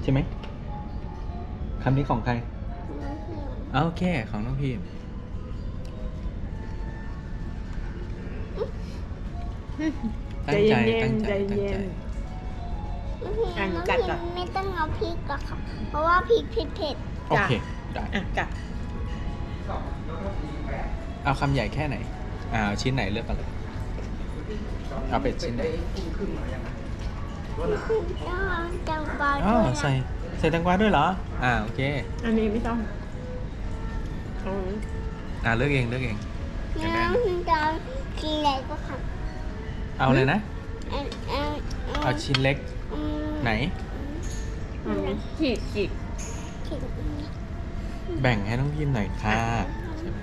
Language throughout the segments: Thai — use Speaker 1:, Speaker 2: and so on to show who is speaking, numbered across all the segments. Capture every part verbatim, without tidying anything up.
Speaker 1: ช่ไหมคำนี้ของใคร
Speaker 2: น้องพิมพ์
Speaker 1: โอเคของน้องพิมตั้งใจตั้งใจตั้งใจ
Speaker 2: น้องพิมพ์
Speaker 3: อ่ะหนู
Speaker 2: น้อง
Speaker 3: กัด
Speaker 2: พิ
Speaker 3: ก่อน
Speaker 2: มพ์ไม่ต้องเอาพริกหรอกค่ะ เพราะว่าพริกเผ็ด
Speaker 1: โอเคได้
Speaker 3: อ่ะกัด
Speaker 1: เอาคำใหญ่แค่ไหนอ่าเอาชิ้นไหนเลือกกันเลยเอาเป็ดชิ้นไหน
Speaker 2: ๆต้องจังปลา
Speaker 1: อ๋อ
Speaker 2: ด้วย
Speaker 1: ใส่
Speaker 2: นะ
Speaker 1: ใส่แตงกวาด้วยเหรออ่าโอเค
Speaker 3: อันนี้ไม่ต้องอืม
Speaker 1: อ่าเลือกเองเลือกเอง
Speaker 2: น้องพิมพ์จะเอากินอะไรก็ค่ะ
Speaker 1: เอาเลยนะ
Speaker 2: เอาเอา
Speaker 1: เอาชิ้นเล็ก
Speaker 2: อืม
Speaker 1: ไหน
Speaker 3: อันนี้ขีดขีด
Speaker 2: ขิง
Speaker 1: แบ่งให้น้องพิมหน่อยค่ะใช่ไหม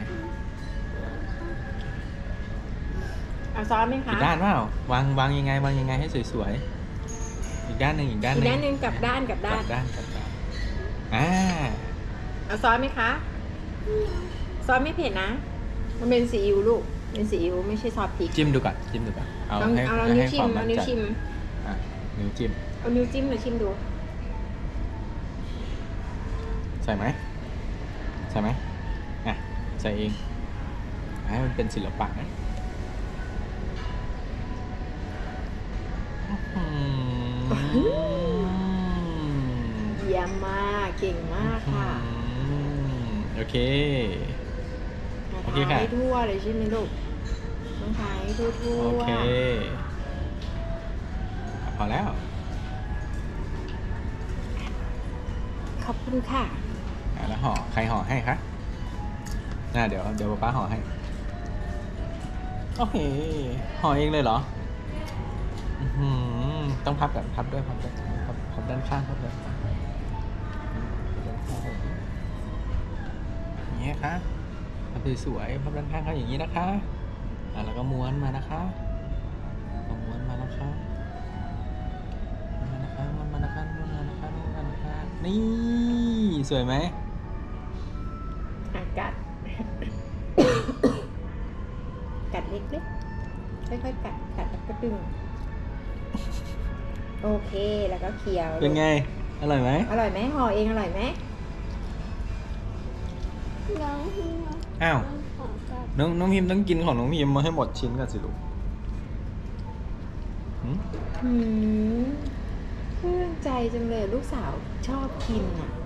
Speaker 3: เอาซอสไหมคะ
Speaker 1: อีกด้านเปล่าวางวางยังไงวางยังไงให้สวยๆอีกด้านหนึ่งอีกด้านห
Speaker 3: อีก
Speaker 1: นึ่ง
Speaker 3: ด้านหนึ่งกลับด้านกลับ
Speaker 1: ก
Speaker 3: ด้า
Speaker 1: ลั
Speaker 3: น
Speaker 1: บด้านกลับด้านอ่า
Speaker 3: เอาซอสไหมคะ ซอสไม่เผ็ดนะ มันเป็นซีอิ๊วลูก เป็นซีอิ๊วไม่ใช่ซอสพริก
Speaker 1: จิ้มดูก่อนจิ้มดูก่อนเอา
Speaker 3: ลอง
Speaker 1: ให้
Speaker 3: เอา
Speaker 1: ให้
Speaker 3: นิ้ว
Speaker 1: ให้
Speaker 3: ชิ
Speaker 1: ค
Speaker 3: ม
Speaker 1: วาม
Speaker 3: เอา
Speaker 1: มั่น
Speaker 3: นิ้ว
Speaker 1: ใจ
Speaker 3: ชิม
Speaker 1: อ่ะนิ้วจิ้ม
Speaker 3: เอานิ้วจิ้มหรือชิมดู
Speaker 1: ใส่ไหมใส่ไหมอ่ะใส่เองให้มันเป็นศิลปะนะอื้อหือ
Speaker 3: เยี่ยมมาก เก่งมากค่ะ
Speaker 1: อืมโอเค โอเค
Speaker 3: ทา
Speaker 1: ค่ะ
Speaker 3: ให้ทั่วเลยใช่ไหมลูกต้องทาให้ทั่วทั่ว
Speaker 1: โอเคพอแล้ว
Speaker 3: ขอบคุณค่ะ
Speaker 1: อ่ะแล้วห่อใครห่อให้คะน่าเดี๋ยวเดี๋ยวป้าห่อให้โอเคห่อเองเลยเหรออื้อหือต้องพับแบบพับด้วยพับด้วยพับพับด้านข้างพับด้านข้างอย่างเงี้ยค่ะพับสวยๆพับด้านข้างเขาอย่างนี้นะคะอ่ะแล้วก็ม้วนมานะคะเอาม้วนมานะคะม้วนมานะคะม้วนมานะคะม้วนมานะคะม้วนมานะคะนี่สวยไหม
Speaker 3: อ่ะกัด กัดเล็กๆ ค่อยๆ กัด กัดแล้วก็ดึง โอเค แล้วก็เคี้ยว
Speaker 1: เป็นไง อร่อยไหม
Speaker 3: อร่อยไหมห่อเองอร่อยไหม
Speaker 2: น้องพิมพ์
Speaker 1: อ้าว
Speaker 2: ขอกัด
Speaker 1: น้องน้องพิมพ์ต้องกินของน้องพิมพ์มาให้หมดชิ้นก่อนสิลูกหืม
Speaker 3: หืมเพื่อนใจจังเลยลูกสาวชอบกินอ่ะ